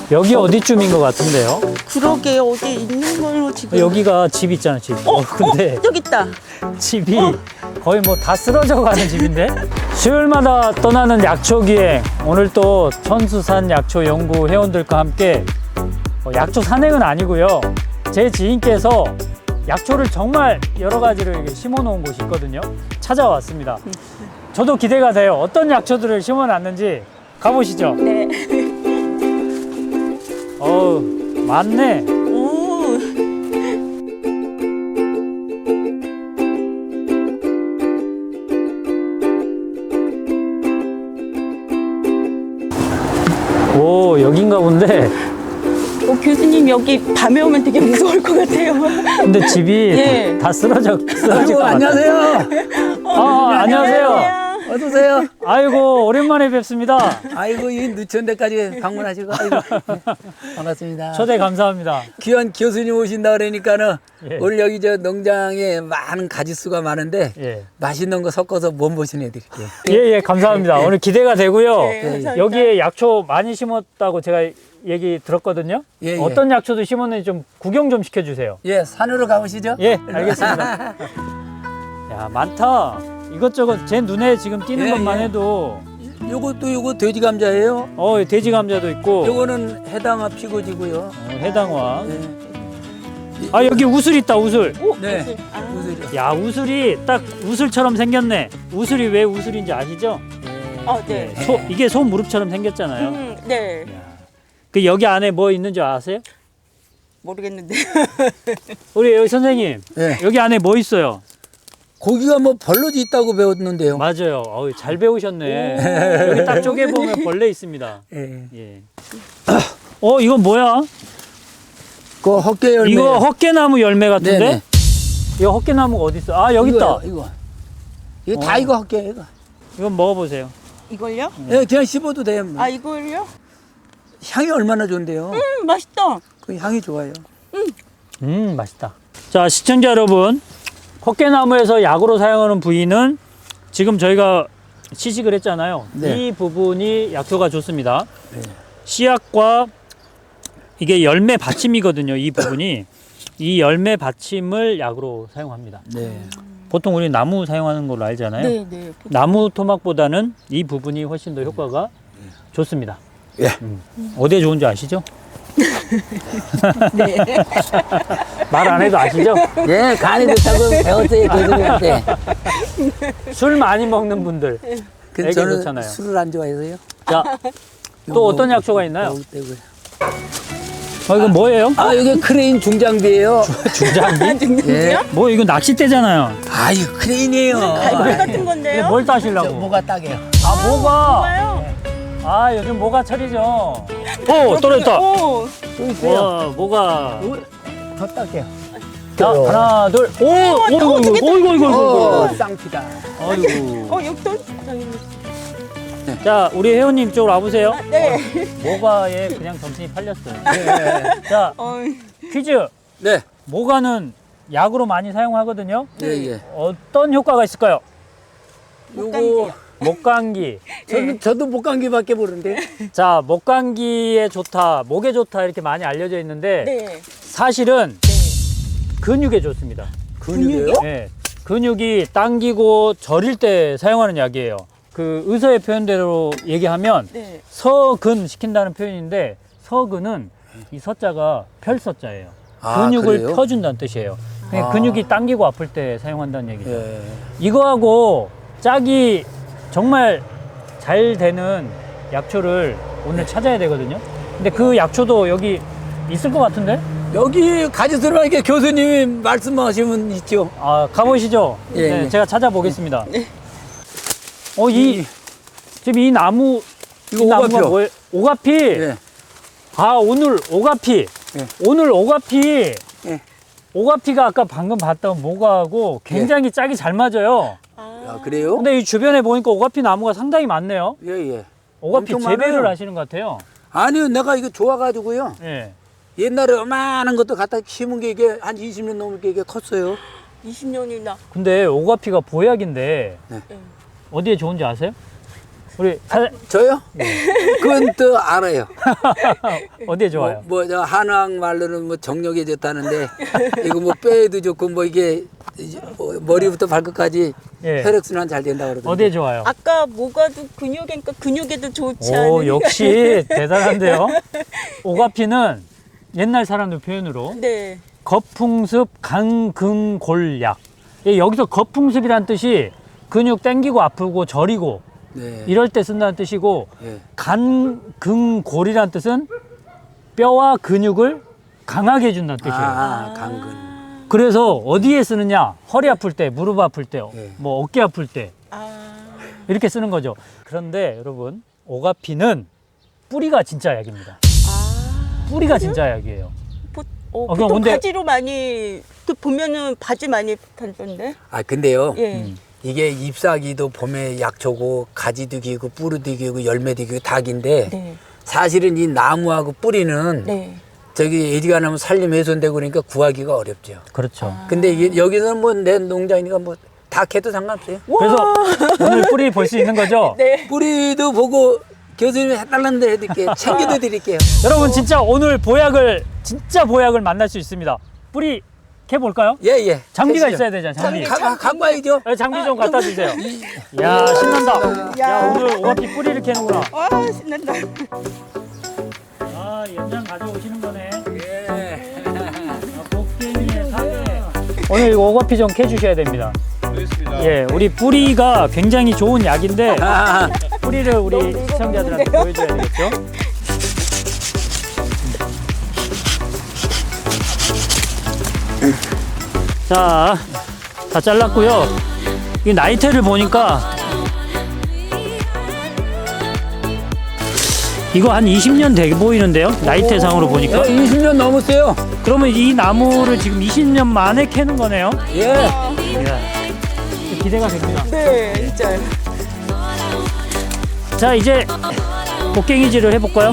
여기 어디쯤인 것 같은데요? 그러게 어디 있는 걸로 지금. 여기가 집 있잖아, 집. 근데 여기 있다. 집이 거의 뭐 다 쓰러져 가는 집인데? 수요일마다 떠나는 약초 기행. 오늘 또 천수산 약초 연구 회원들과 함께 약초 산행은 아니고요. 제 지인께서 약초를 정말 여러 가지를 이렇게 심어 놓은 곳이 있거든요. 찾아왔습니다. 저도 기대가 돼요. 어떤 약초들을 심어 놨는지 가보시죠. 네. 어우, 많네. 오. 오, 여긴가 본데. 교수님 여기 밤에 오면 되게 무서울 것 같아요. 근데 집이 예. 다 쓰러질 것 같아요. 안녕하세요. 안녕하세요. 어서오세요. 아이고, 오랜만에 뵙습니다. 아이고, 이 늦은 데까지 방문하시고, 아이고, 반갑습니다. 초대 감사합니다. 귀한 교수님 오신다 그러니까는 예. 오늘 여기 저 농장에 많은 가지수가 많은데 예. 맛있는 거 섞어서 몸보신 해드릴게요. 예, 감사합니다. 오늘 기대가 되고요. 네, 감사합니다. 여기에 약초 많이 심었다고 제가 얘기 들었거든요. 예, 예. 어떤 약초도 심었는지 좀 구경 좀 시켜주세요. 예, 산으로 가보시죠. 예, 알겠습니다. 야, 많다. 이것저것 제 눈에 지금 띄는 예, 것만 예. 해도 요거 돼지 감자예요. 돼지 감자도 있고 요거는 해당화 피고지고요. 해당화. 예. 아, 여기 우슬 있다, 우슬. 네, 아. 우슬이. 야, 우슬이 딱 우슬처럼 생겼네. 우슬이 왜 우슬인지 아시죠? 네. 이게 소 무릎처럼 생겼잖아요. 네. 그 여기 안에 뭐 있는 줄 아세요? 모르겠는데. 우리 여기 선생님, 예. 여기 안에 뭐 있어요? 고기가 뭐 벌러지 있다고 배웠는데요. 맞아요. 잘 배우셨네. 여기 딱 쪼개 보면 벌레 있습니다. 예. 예. 이건 뭐야? 그 헛개 열매. 이거 헛개나무 열매 같은데? 네네. 이거 헛개나무가 어디 있어? 아, 여기 있다. 이거 다 이거 헛개 이거. 이건 먹어보세요. 이걸요? 예, 그냥 씹어도 돼요. 아 이걸요? 향이 얼마나 좋은데요. 맛있다. 그 향이 좋아요. 맛있다. 자, 시청자 여러분, 헛개나무에서 약으로 사용하는 부위는 지금 저희가 시식을 했잖아요. 네. 이 부분이 약효가 좋습니다. 네. 씨앗과 이게 열매 받침이거든요. 이 부분이 이 열매 받침을 약으로 사용합니다. 네. 보통 우리 나무 사용하는 걸로 알잖아요. 네. 나무 토막보다는 이 부분이 훨씬 더 효과가 좋습니다. 예. 어디에 좋은지 아시죠? 네. 말 안 해도 아시죠? 예, 간이 좋다고 배웠어요, 교수님한테. 술 많이 먹는 분들. 근데 애기 저는 좋잖아요. 술을 안 좋아해서요. 자, 또 어떤 약초가 있나요? 먹을 때고요. 이건 뭐예요? 아, 이게 크레인 중장비예요. 중장비? 예. 뭐 이거 낚싯대잖아요. 아, 이거 크레인이에요. 갈고리 같은 이게 건데요? 뭘 저 따시려고? 뭐가 딱이에요. 아, 뭐가? 뭐가요? 아, 요즘 모가철이죠. 오, 떨어졌다. 오. 또 있어요. 와, 뭐가. 이거 더 딱이에요. 자, 하나, 둘. 오, 이거. 쌍피다. 아이고. 여기 또. 자, 우리 회원님 쪽으로 와보세요. 네. 모가에 그냥 정신이 팔렸어요. 네. 자, 어. 퀴즈. 네. 모가는 약으로 많이 사용하거든요. 예, 예. 어떤 효과가 있을까요? 요거 목감기. 저도 목감기밖에 모르는데. 자, 목감기에 좋다, 목에 좋다 이렇게 많이 알려져 있는데 네. 사실은 근육에 좋습니다. 근육이요? 네, 근육이 당기고 저릴 때 사용하는 약이에요. 그 의사의 표현대로 얘기하면 네. 서근 시킨다는 표현인데 서근은 이 서자가 펼서자예요. 아, 근육을 그래요? 펴준다는 뜻이에요. 그러니까 아. 근육이 당기고 아플 때 사용한다는 얘기죠. 예. 이거하고 짝이 정말 잘 되는 약초를 오늘 찾아야 되거든요. 근데 그 약초도 여기 있을 것 같은데? 여기 가지수로 이렇게 교수님이 말씀하시면 있죠. 아, 가보시죠. 예, 네, 예. 제가 찾아보겠습니다. 지금 이 나무, 이거 이 나무가 오가피요. 뭐예요? 오가피. 예. 아, 오늘 오가피. 예. 오늘 오가피. 예. 오가피가 아까 방금 봤던 모가하고 굉장히 짝이 잘 맞아요. 아, 그래요? 근데 이 주변에 보니까 오가피 나무가 상당히 많네요. 예, 예. 오가피 엄청 재배를 많아요. 하시는 것 같아요. 아니요, 내가 이거 좋아가지고요. 예. 옛날에 어마한 것도 갖다 심은 게 이게 한 20년 넘게 이게 컸어요. 20년이나. 근데 오가피가 보약인데 네. 어디에 좋은지 아세요? 우리 저요? 그건 또 알아요. 어디에 좋아요? 저 한학 말로는 뭐 정력에 좋다는데 이거 뭐 뼈에도 좋고 뭐 이게 머리부터 발끝까지 예. 혈액순환 잘 된다고 그러던데. 어디에 좋아요? 아까 뭐가도 근육이니까 근육에도 좋지 오, 않은. 역시 대단한데요. 오가피는 옛날 사람들 표현으로 네. 거풍습 간근골약. 예, 여기서 거풍습이란 뜻이 근육 땡기고 아프고 저리고 네. 이럴 때 쓴다는 뜻이고 예. 간근골이란 뜻은 뼈와 근육을 강하게 해준다는 뜻이에요. 강근. 그래서 어디에 쓰느냐? 허리 아플 때, 무릎 아플 때, 예. 뭐 어깨 아플 때 아. 이렇게 쓰는 거죠. 그런데 여러분, 오가피는 뿌리가 진짜 약입니다. 아. 뿌리가 진짜 약이에요. 그럼 보통 근데- 바지로 많이 보면은 바지 많이 팔던데. 근데요. 예. 이게 잎사귀도 봄에 약초고 가지도 기고 뿌리도 기고 열매도 기고 닭인데 네. 사실은 이 나무하고 뿌리는 네. 저기 어디가 나면 살림 훼손되고 그러니까 구하기가 어렵죠. 그렇죠. 근데 이게 여기서는 뭐 내 농장이니까 뭐 다 캐도 상관없어요. 그래서 오늘 뿌리 볼 수 있는 거죠? 네. 뿌리도 보고 교수님이 해달라는데 해드릴게요. 챙겨도 드릴게요. 여러분 진짜 오늘 진짜 보약을 만날 수 있습니다. 뿌리 캐볼까요? 예. 장비가 캐시죠. 있어야 되잖아요. 장비. 갖고 와야죠. 네, 장비 좀 갖다 주세요. 야 신난다. 야 야. 오늘 오가피 뿌리를 캐는구나. 와 신난다. 아 연장 가져오시는 거네. 예. 곡괭이에 사계. 오늘 이거 오가피 좀 캐주셔야 됩니다. 알겠습니다. 예, 우리 뿌리가 굉장히 좋은 약인데 아, 뿌리를 우리 시청자들한테 보여줘야 되겠죠? 자, 다 잘랐고요. 이 나이테를 보니까 이거 한 20년 돼 보이는데요? 나이테 상으로 보니까. 20년 넘었어요. 그러면 이 나무를 지금 20년 만에 캐는 거네요? 예. 이야, 기대가 됩니다. 네, 진짜요. 자, 이제 곡괭이질을 해볼까요?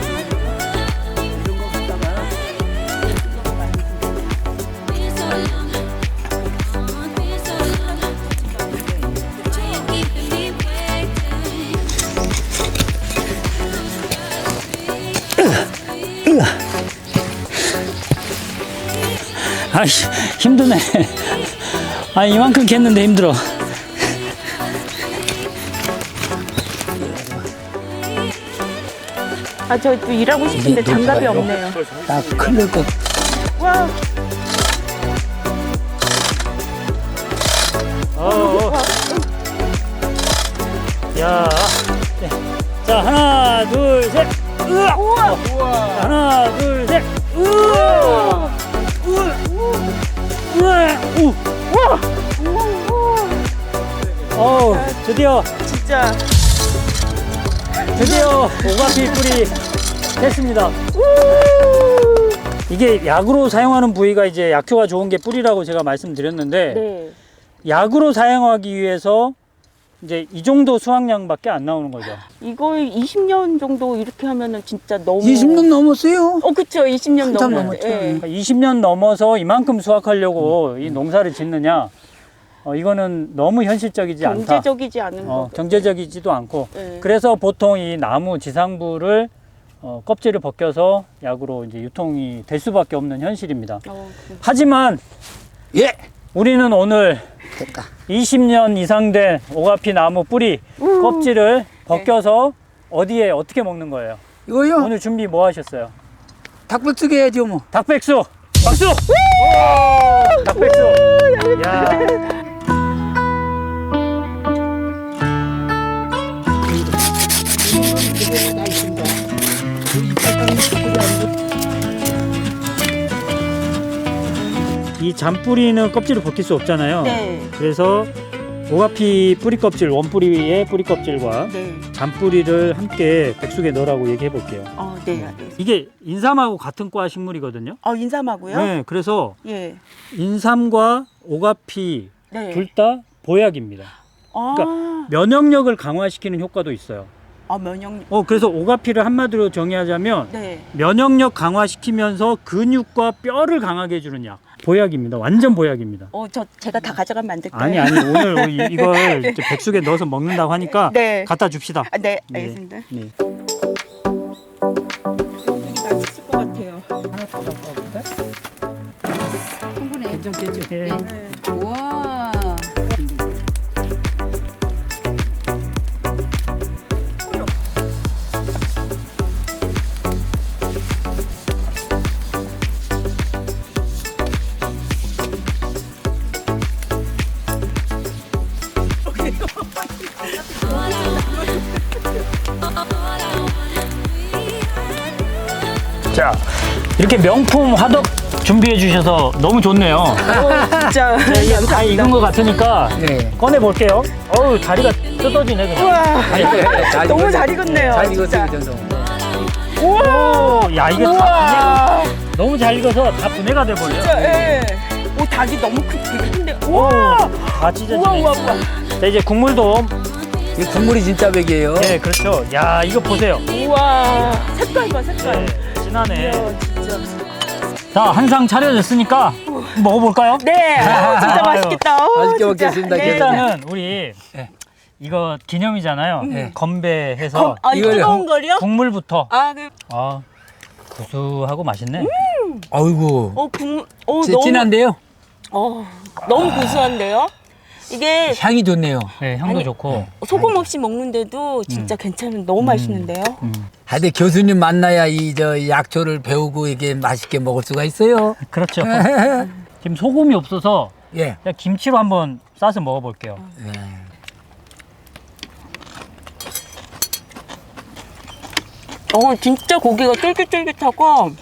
아, 힘드네. 아, 이만큼 캤는데 힘들어. 아, 저 또 일하고 싶은데 장갑이 없네요. 나 큰일 거. 와, 야, 네. 자 하나, 둘, 셋. 으아! 우와, 자, 하나, 둘, 셋. 으아! 우와! 우와! 우! 어우, 드디어 진짜. 오가피 뿌리 했습니다. 이게 약으로 사용하는 부위가 이제 약효가 좋은 게 뿌리라고 제가 말씀드렸는데 네. 약으로 사용하기 위해서 이제 이 정도 수확량밖에 안 나오는 거죠. 이거 20년 정도 이렇게 하면은 진짜 너무. 20년 넘었어요. 그쵸, 20년 한참 넘었죠. 넘었죠. 예. 그러니까 20년 넘어서 이만큼 수확하려고 이 농사를 짓느냐? 이거는 너무 현실적이지 않다. 경제적이지 않은 거. 경제적이지도 않고. 네. 그래서 보통 이 나무 지상부를 껍질을 벗겨서 약으로 이제 유통이 될 수밖에 없는 현실입니다. 하지만 예. 우리는 오늘 됐다. 20년 이상 된 오가피 나무 뿌리 껍질을 벗겨서 어디에 어떻게 먹는 거예요? 이거요? 오늘 준비 뭐 하셨어요? 닭불뜨기 해야죠 뭐. 닭백수! 박수! 닭백수! 야. 이 잔뿌리는 껍질을 벗길 수 없잖아요. 네. 그래서 오가피 뿌리 껍질, 원뿌리의 뿌리 껍질과 네. 잔뿌리를 함께 백숙에 넣으라고 얘기해 볼게요. 네, 알겠습니다. 이게 인삼하고 같은 과 식물이거든요. 인삼하고요? 네, 그래서 예. 인삼과 오가피 네. 둘 다 보약입니다. 아, 면역력을 강화시키는 효과도 있어요. 면역력. 그래서 오가피를 한마디로 정의하자면 네. 면역력 강화시키면서 근육과 뼈를 강하게 해주는 약. 보약입니다. 완전 보약입니다. 제가 다 가져가면 안 될까요? 아니 오늘 이걸 이제 백숙에 넣어서 먹는다고 하니까 네. 갖다 줍시다. 네, 알겠습니다. 네. 여기 맛있을 것 같아요. 하나 더 갖고 와볼까? 충분해. 괜찮겠죠? 네. 우와. 자, 이렇게 명품 화덕 준비해 주셔서 너무 좋네요. 진짜 이게 다 익은 것 같으니까 네. 꺼내 볼게요. 어우, 다리가 뜯어지네 그냥. 우와, 잘 너무 익었어요. 잘 익었네요. 잘 진짜. 익었어요, 그 정도. 우와, 야, 이게 다 우와, 분해가, 너무 잘 익어서 다 분해가 돼 버려요. 진짜, 예. 오, 닭이 너무 되게 큰데. 우와, 다 찢어지네. 우와, 우와, 우와. 자, 이제 국물도 이 국물이 진짜 백이에요. 네, 그렇죠. 야, 이거 보세요. 우와, 색깔 봐, 색깔. 네, 진하네. 이야, 진짜. 자, 한 상 차려졌으니까 먹어볼까요? 네, 진짜 맛있겠다. 맛있게 진짜. 먹겠습니다. 네. 일단은 우리 네. 이거 기념이잖아요. 네. 건배해서 아, 이 이거요? 뜨거운 거요? 국물부터. 아, 구수하고 맛있네. 아이고. 너무, 진한데요? 너무 고소한데요? 이게 향이 좋네요. 네, 향도 좋고. 소금 없이 먹는데도 진짜 괜찮은, 너무 맛있는데요? 하여튼 교수님 만나야 이 약초를 배우고 이게 맛있게 먹을 수가 있어요. 그렇죠. 지금 소금이 없어서 예. 그냥 김치로 한번 싸서 먹어볼게요. 진짜 고기가 쫄깃쫄깃하고,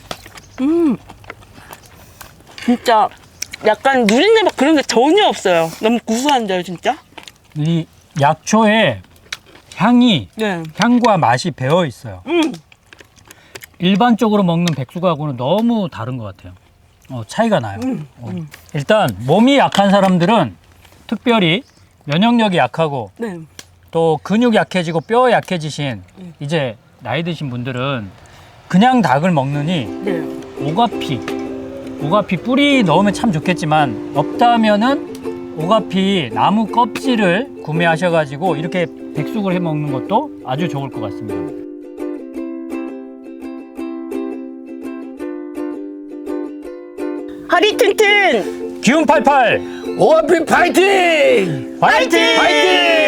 진짜 약간 누린내 막 그런 게 전혀 없어요. 너무 구수한데요, 진짜? 이 약초에 향이 네. 향과 맛이 배어 있어요. 일반적으로 먹는 백숙하고는 너무 다른 것 같아요. 차이가 나요. 일단 몸이 약한 사람들은 특별히 면역력이 약하고 네. 또 근육 약해지고 뼈 약해지신 이제 나이 드신 분들은 그냥 닭을 먹느니 네. 오가피 뿌리 넣으면 참 좋겠지만 없다면은 오가피 나무 껍질을 구매하셔가지고 이렇게 백숙을 해 먹는 것도 아주 좋을 것 같습니다. 허리 튼튼! 기운 팔팔 오아피 파이팅! 파이팅! 파이팅!